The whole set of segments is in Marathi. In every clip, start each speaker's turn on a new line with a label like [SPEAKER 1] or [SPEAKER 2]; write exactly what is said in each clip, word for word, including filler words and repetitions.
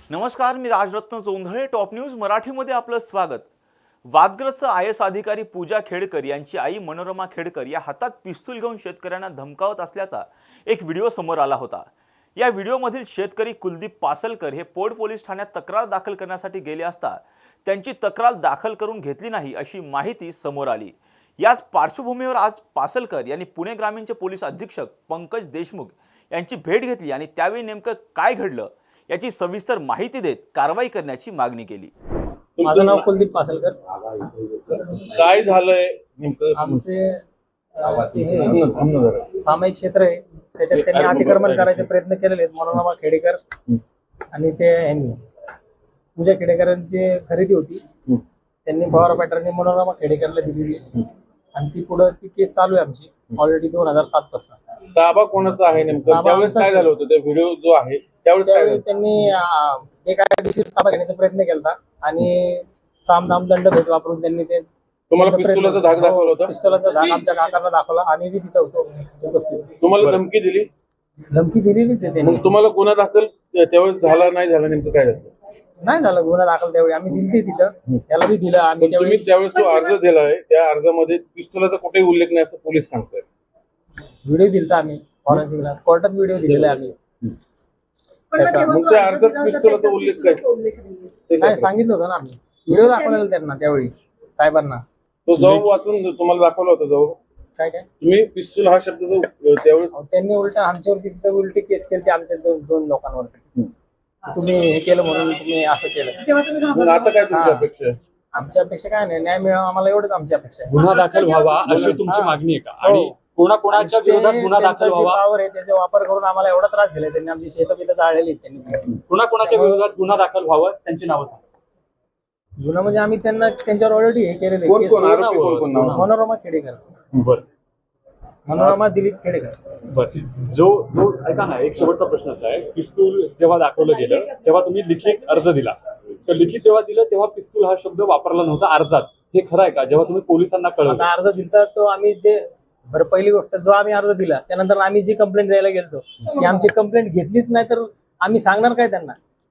[SPEAKER 1] नमस्कार, मी राजरत्न जोंधळे. टॉप न्यूज मराठीमध्ये आपलं स्वागत. वादग्रस्त आय एस अधिकारी पूजा खेडकर यांची आई मनोरमा खेडकर या हातात पिस्तूल घेऊन शेतकऱ्यांना धमकावत असल्याचा एक व्हिडिओ समोर आला होता. या व्हिडिओमधील शेतकरी कुलदीप पासलकर हे पोड पोलीस ठाण्यात तक्रार दाखल करण्यासाठी गेले असता त्यांची तक्रार दाखल करून घेतली नाही अशी माहिती समोर आली. याच पार्श्वभूमीवर आज पासलकर यांनी पुणे ग्रामीणचे पोलीस अधीक्षक पंकज देशमुख यांची भेट घेतली आणि त्यावेळी नेमकं काय घडलं याची सविस्तर माहिती देत कारवाई करण्याची मागणी केली.
[SPEAKER 2] माझं नाव कुलदीप पासलकर.
[SPEAKER 3] काय झालंय नेमकं?
[SPEAKER 2] आमचे सामायिक क्षेत्र आहे, त्याच्यात त्यांनी अतिक्रमण करायचे प्रयत्न केलेले आहेत. मनोरमा खेडेकर आणि ते यांनी पूजा खेडेकरांची खरेदी होती, त्यांनी पवार पॅटर्नने मनोरमा खेडेकरला दिलेली आणि ती पुढे ती केस चालू आहे आमची ऑलरेडी दोन हजार सात पासून.
[SPEAKER 3] ताबा कोणाचा आहे नेमकं? त्यावेळेस काय झालं होतं? ते व्हिडिओ जो आहे त्यावेळेस काय झालं?
[SPEAKER 2] त्यांनी बेकायदेशीर ताबा घेण्याचा प्रयत्न केला आणि सामदाम दंड भेद वापरून त्यांनी ते
[SPEAKER 3] तुम्हाला पिस्तुलाचा धाक दाखवला होता?
[SPEAKER 2] पिस्तुलाचा धाक आमच्या काकांना दाखवला. आम्ही बी तिथं होतो उपस्थित.
[SPEAKER 3] तुम्हाला धमकी दिली?
[SPEAKER 2] धमकी दिलेलीच आहे त्यांनी.
[SPEAKER 3] मग तुम्हाला गुन्हा दाखल त्यावेळेस झाला नाही झाला? नेमकं काय झालं?
[SPEAKER 2] नाही झालं गुन्हा दाखल त्यावेळी. आम्ही दिली तिथं, त्याला बी दिलं आम्ही.
[SPEAKER 3] तुम्ही त्यावेळेस जो अर्ज दिलाय त्या अर्जामध्ये पिस्तुलाचा कुठेही उल्लेख नाही असं पोलीस सांगतायत.
[SPEAKER 2] व्हिडिओ दिलता आम्ही फॉरेन्सिकला, कोर्टात व्हिडिओ दिलेला आहे आम्ही.
[SPEAKER 3] मग त्या अर्जात पिस्तुलाचा उल्लेख काय?
[SPEAKER 2] काय सांगितलं होतं ना आम्ही, व्हिडिओ दाखवलेला त्यांना त्यावेळी साहेबांना.
[SPEAKER 3] तो जबाब वाचून तुम्हाला दाखवला होता जबाब?
[SPEAKER 2] काय काय
[SPEAKER 3] तुम्ही पिस्तूल हा शब्द जो त्यावेळेस
[SPEAKER 2] त्यांनी उलट आमच्यावरती तिथं उलटी केस केली आमच्या दोन दोन लोकांवरती. तुम्ही हे केलं म्हणून तुम्ही असं केलं.
[SPEAKER 3] मग आता काय तुमची अपेक्षा आहे?
[SPEAKER 2] आमच्या अपेक्षा काय नाही, न्याय मिळावा आम्हाला, एवढंच आमची अपेक्षा आहे.
[SPEAKER 4] गुन्हा दाखल व्हावा अशी तुमची मागणी आहे का? आणि कोणाकोणाच्या विरोधात गुन्हा दाखल व्हावा?
[SPEAKER 2] पावर आहे त्याचा वापर करून आम्हाला एवढा त्रास दिला त्यांनी. आमची शेतं बितं जाळलेली त्यांनी.
[SPEAKER 4] कोणाकोणाच्या विरोधात गुन्हा दाखल व्हावा त्यांची नावं सांगा.
[SPEAKER 2] गुन्हा म्हणजे आम्ही त्यांना त्यांच्यावर ऑलरेडी हे केलेलं
[SPEAKER 3] कोण
[SPEAKER 2] आहे.
[SPEAKER 3] कोण आरोपी कोण कोण नाव?
[SPEAKER 2] मनोरमा खेडेकर,
[SPEAKER 4] बर
[SPEAKER 2] मनोरमा दिलीप खेडेकर.
[SPEAKER 4] बर जो जो ऐका ना, एक शेवटचा प्रश्न असा आहे, पिस्तूल जेव्हा दाखवलं गेलं तेव्हा तुम्ही लिखित अर्ज दिला, तर लिखित जेव्हा दिलं तेव्हा पिस्तूल हा शब्द वापरला नव्हता अर्जात, हे खरं आहे का? जेव्हा तुम्ही पोलिसांना कळवलं
[SPEAKER 2] आता अर्ज दिला तो आम्ही जे बरं पहिली गोष्ट जो आम्ही अर्ज दिला त्यानंतर आम्ही जी कंप्लेंट द्यायला गेलतो ती आमची कंप्लेंट घेतलीच नाही, तर आम्ही सांगणार काय त्यांना?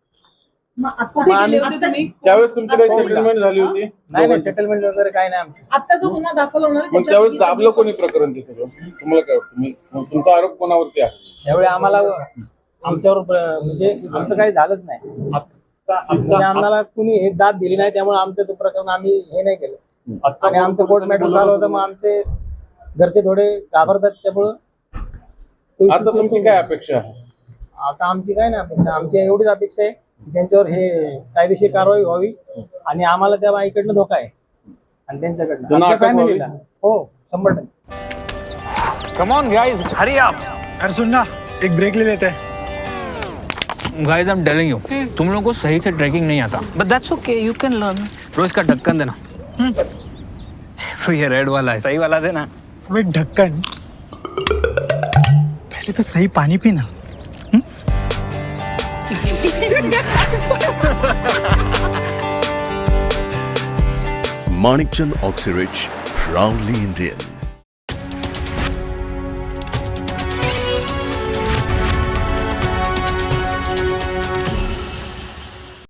[SPEAKER 3] त्यावेळेस तुमची काही सेटलमेंट झाली होती?
[SPEAKER 2] नाही नाही, सेटलमेंट वगैरे काय नाही आमची.
[SPEAKER 5] आता जो गुन्हा दाखल होणार
[SPEAKER 3] मग त्यावेळेस दाबलं कोणी प्रकरण ते सगळं? तुम्हाला काय वाटतं? मी- मग तुमचा आरोप कोणावरती आहे?
[SPEAKER 2] त्यावेळी आम्हाला आमच्यावर ब- म्हणजे आमचं काही झालंच नाही. म्हणजे आम्हाला कुणी हे दाद दिली नाही, त्यामुळे आमचं ते प्रकरण आम्ही हे नाही केलं. आणि आमचं कोर्ट मॅटर झालं होतं, मग आमचे घरचे थोडे घाबरतात, त्यामुळं
[SPEAKER 3] आता तुमची काय अपेक्षा आहे?
[SPEAKER 2] आता आमची काय नाही अपेक्षा, आमची एवढीच अपेक्षा आहे की त्यांच्यावर हे कायदेशीर कारवाई व्हावी आणि आम्हाला त्या बाईकडनं धोका आहे आणि त्यांच्याकडनं
[SPEAKER 3] त्यांना
[SPEAKER 2] आमच्या
[SPEAKER 3] अटक व्हावी?
[SPEAKER 2] फॅमिलीला. हो, शंभर टक्के.
[SPEAKER 6] कम ऑन गाइस, हरी आप.
[SPEAKER 7] अरे सुन ना, एक ब्रेक ले लेते हैं.
[SPEAKER 6] Guys I am telling you, तुम लोगों को सही से ट्रैकिंग नहीं आता, but that's okay, you can learn. रोज का ढक्कन देना. हम्म ये रेड वाला है, सही वाला देना.
[SPEAKER 7] अबे ढक्कन, पहले तो सही पानी पीना.
[SPEAKER 8] Manikchand Oxyrich, proudly Indian.